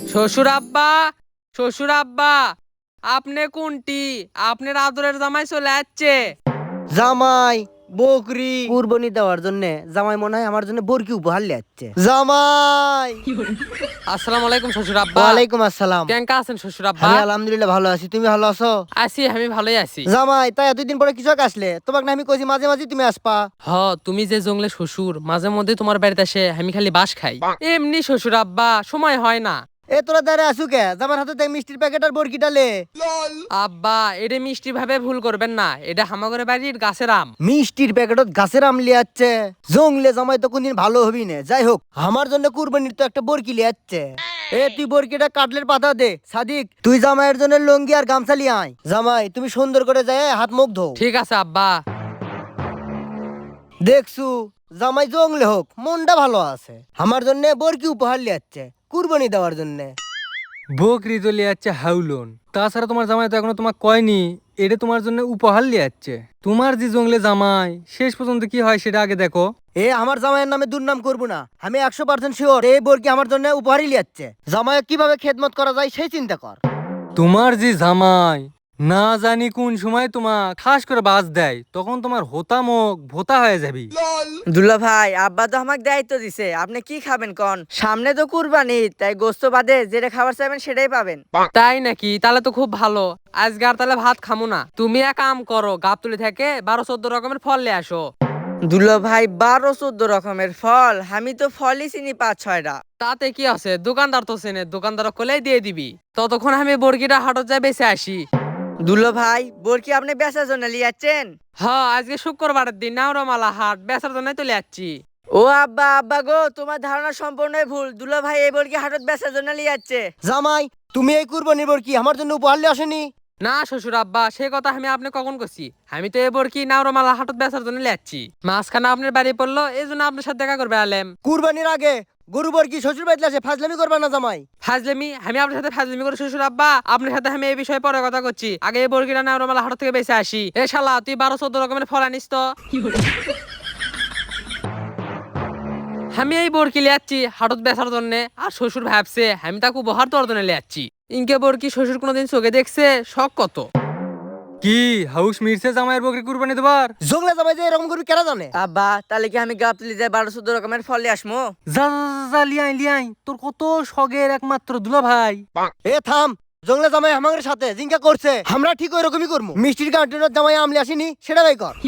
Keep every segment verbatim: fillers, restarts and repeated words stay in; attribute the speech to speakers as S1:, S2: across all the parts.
S1: শ্বশুর আব্বা, শ্বশুর আব্বা, আপনি কোনটি? আপনার আদরের জামাই চলে যাচ্ছে।
S2: জামাই বকরি কুরবানি দেওয়ার জন্য জামাই মনে হয় আমার জন্য বরকি উপহার লিয়াচ্ছে। জামাই
S1: আসসালামু আলাইকুম শ্বশুর আব্বা।
S2: ওয়ালাইকুম আসসালাম।
S1: কেঙ্কা আছেন শ্বশুর আব্বা?
S2: আমি আলহামদুলিল্লাহ ভালো আছি, তুমি ভালো আছো?
S1: আছি, আমি ভালোই আছি।
S2: জামাই তাই এতদিন পরে কিছু আসলে, তোমাকে না আমি কইছি মাঝে মাঝে তুমি আসপা।
S1: হ, তুমি যে জঙ্গলে শ্বশুর, মাঝে মধ্যে তোমার বাড়িতে আসে আমি খালি বাস খাই। এমনি শ্বশুর আব্বা, সময় হয় না।
S2: এ তোরা দাঁড়িয়ে আসু কে? জামার হাতে দেখ মিষ্টির প্যাকেট আর বরকিটা লে।
S1: আব্বা, এটা মিষ্টি ভাবে ভুল করবেন না, এটা হামাগরে বাড়ির গাছের আম।
S2: মিষ্টির প্যাকেটত গাছের আম লিয়াচ্ছে। জংলে জামাই তো কোনদিন ভালো হবি না। যাই হোক, আমার জন্য কুরবানির তো একটা বরকি লিয়াচ্ছে। এ তুই বরকিটা কাটলের পাতা দে। সাদিক তুই জামাইয়ের জন্য লঙ্গি আর গামছা লিয়ে আয়। জামাই তুমি সুন্দর করে যায় হাত মুখ ধো।
S1: ঠিক আছে আব্বা।
S2: দেখছু জামাই জংলে হোক মনটা ভালো আছে, আমার জন্য বরকি উপহার লিয়াচ্ছে কুরবানি দেওয়ার জন্য।
S3: বকরি তো লিয়াচ্ছে হাউলন। তাছাড়া তোমার জামাই তো এখনো তোমাকে কয়নি এটা তোমার জন্য উপহার লিয়াচ্ছে। তোমার যে জঙ্গলে জামাই শেষ পর্যন্ত কি হয় সেটা আগে দেখো।
S2: এ আমার জামাইয়ের নামে দুর্নাম করবো না, আমি একশো পার্সেন্ট শিওর এই বরকি আমার জন্য উপহারই লিয়াচ্ছে। জামাই কিভাবে খেদমত করা যায় সেই চিন্তা কর।
S3: তোমার যে জামাই না জানি কোন সময় তোমার ঠাস করে বাজ দেয়, তখন তোমার হোতা মুখ ভোতা হয়ে যাবি।
S4: দুলা ভাই, আব্বা তো আমাকে দায়িত্ব দিছে, আপনি কি খাবেন কন? সামনে তো কুরবানি, তাই গোস্ত বাদে যেটা খাবার চাইবেন সেটাই পাবেন।
S1: তাই নাকি? তাহলে তো খুব ভালো। আজকে আর তাহলে ভাত খামু না। তুমি এক কাম করো, গাবতলি থেকে বারো চোদ্দ রকমের ফল নিয়ে আসো।
S4: দুলা ভাই, বারো চোদ্দ রকমের ফল? আমি তো ফলই চিনি পাঁচ ছয়টা।
S1: তাতে কি আছে, দোকানদার তো চেনে, দোকানদার কোলেই দিয়ে দিবি। ততক্ষণ আমি বর্গিটা হাটত যাই বেঁচে আসি।
S4: দুলা ভাই, বোরকি আপনি বেচার জন্য লিয়াচ্ছেন?
S1: হ্যাঁ, আজকে শুক্রবারের দিন, নাওরমালা হাট, বেচার জন্য চলে যাচ্ছি।
S4: ও আব্বা, আব্বা গো, তোমার ধারণা সম্পূর্ণই ভুল। দুলা ভাই এই বোরকি হাটত বেচার জন্য লিয়াচ্ছে।
S2: জামাই তুমি এই কুরবানির বরকি আমার জন্য উপহার লিয়ে আসেনি?
S1: না শ্বশুর আব্বা, সে কথা আমি আপনি কখন করছি? আমি তো এবার কি নাওরমালা হাটত বেচার জন্য যাচ্ছি। মাঝখানে আপনার বাড়ি পড়লো, এই জন্য আপনার সাথে দেখা করবে আলেম।
S2: কুরবানির আগে গরু বরকি শ্বশুর বাড়িতে আসে, ফাজলামি করবা না জামাই।
S1: ফাজলামি? আমি আপনার সাথে ফাজলামি করে শ্বশুর আব্বা? আপনার সাথে আমি এই বিষয়ে পরে কথা করছি, আগে এই বর্গিটা নাওরমালা হাট থেকে বেঁচে আসি। এ শালা, তুই বারো চোদ্দ রকমের ফল আনিস তো। আমি এই বরকি লিয়াচ্ছি হাটত বেচার জন্য, আর শ্বশুর ভাবছে আমি তাকে উপহার দেওয়ার জন্য লিয়াচ্ছি। ইনকে বরকি শ্বশুর কোনোদিন চোখে দেখছে? শখ কত।
S3: কি হাউস মিরছে জামাইয়ের বকরি কুরবানি দেবার?
S2: জংলে জামাই যে এরকম করবি কেন জানে?
S4: আব্বা, তাহলে কি আমি গাবতলি যাই বারো চোদ্দ রকমের ফল নিয়ে আসমো?
S3: যা যা, যা, যা, লিয়াই লিয়াই, তোর কত শখের একমাত্র দুলা ভাই।
S2: এ থাম, জংলে জামাই আমাদের সাথে জিঙ্কা করছে, আমরা ঠিক ওই রকমই করবো। মিষ্টির কার্টুনের জামাই আমলি আসেনি সেটা বাই কর।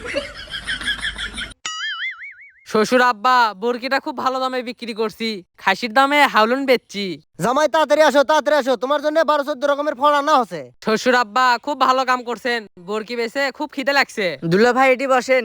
S1: শ্বশুর আব্বা, বরকিটা খুব ভালো দামে বিক্রি করছি, খাসির দামে হাউলন বেচছি।
S2: জামাই তাড়াতাড়ি আসো, তাড়াতাড়ি আসো, তোমার জন্য বারো চোদ্দ রকমের ফল আনা হচ্ছে।
S1: শ্বশুর আব্বা, খুব ভালো কাম করছেন, বরকি বেচে খুব খিদে লাগছে।
S4: দুলা ভাই, এটি বসেন।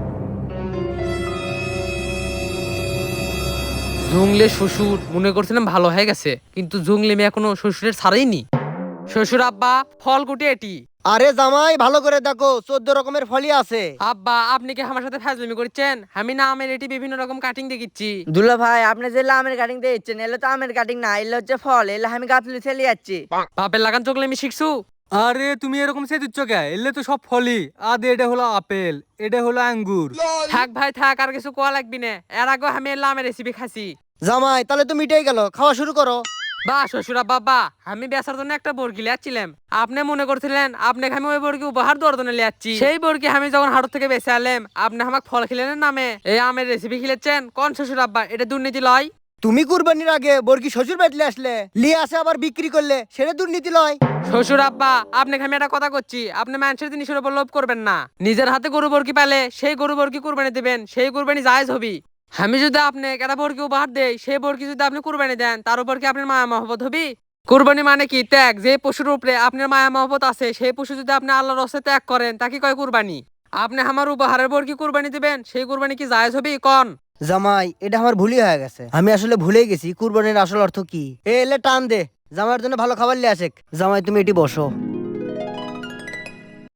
S1: জঙ্গলে শ্বশুর মনে করছিলাম ভালো হয়ে গেছে, কিন্তু জঙ্গলে মেয়ে এখনো শ্বশুরের ছাড়াইনি। শ্বশুর আব্বা, ফল কুটি এটি।
S2: আরে জামাই ভালো করে দেখো, চোদ্দ রকমের ফলই আছে।
S1: আব্বা, আপনি কি আমার সাথে ফাজলামি করছেন? আমি না আমের এটি বিভিন্ন রকম কাটিং দেখিচ্ছি।
S4: দুলা ভাই, আপনি যে আমের কাটিং দিচ্ছেন, এলে তো আমের কাটিং না, এলে হচ্ছে ফল। এলে আমি গাবতলি ছেলে যাচ্ছি।
S1: বাপের লাগান চোখলে আমি শিখছু।
S3: আরে তুমি এরকম সে দিচ্ছ কে? এলে তো সব ফলই। আদে এটা হলো আপেল, এটা হলো আঙ্গুর।
S1: থাক ভাই থাক, আর কিছু কোয়া লাগবি না। এর আগে আমি এলাম আমের রেসিপি খাসি।
S2: জামাই তাহলে তো মিটেই গেল, খাওয়া শুরু করো।
S1: বা শ্বশুর আব্বা, বা আমি বেচার জন্য একটা বরকি লিয়াচ্ছিলাম। আপনি মনে করছিলেন আপনাকে আমি ওই বরকি উপহার দেওয়ার জন্য লিয়াচ্ছি। সেই বরকি আমি যখন হাট থেকে বেঁচে আলাম, আপনি আমাকে ফল খিলেনের নামে এই আমের রেসিপি খিলেছেন। কোন শ্বশুর আব্বা, এটা দুর্নীতি লয়?
S2: তুমি কুরবানির আগে বরকি শ্বশুর বাড়িতে আসলে, লিয়ে আসে আবার বিক্রি করলে, সেটা দুর্নীতি লয়।
S1: শ্বশুর আব্বা, আপনাকে আমি একটা কথা করছি, আপনি মানুষের জিনিসের উপর লোভ করবেন না। নিজের হাতে গরু বরকি পালে সেই গরু বরকি কুরবানি দিবেন, সেই কুরবানি জায়েজ হবি। আমি যদি আপনি একটা বরকি উপহার দেই, সেই বরকি যদি আপনি কুরবানি দেন, তার উপর কি আপনার মায়া মহব্বত হবি? কুরবানি মানে কি? ত্যাগ। যে পশুর উপরে আপনার মায়া মহব্বত আছে, সেই পশু যদি আপনি আল্লাহর রাস্তায় ত্যাগ করেন, তাকে কয় কুরবানি। আপনি আমার উপহারের বরকি কুরবানি দিবেন, সেই কুরবানি কি জায়েজ হবি? কোন?
S2: জামাই এটা আমার ভুলই হয়ে গেছে, আমি আসলে ভুলেই গেছি কুরবানির আসল অর্থ কি। এ এলে টান দে, জামাইয়ের জন্য ভালো খাবার লিয়ে আসে। জামাই তুমি এটি বসো।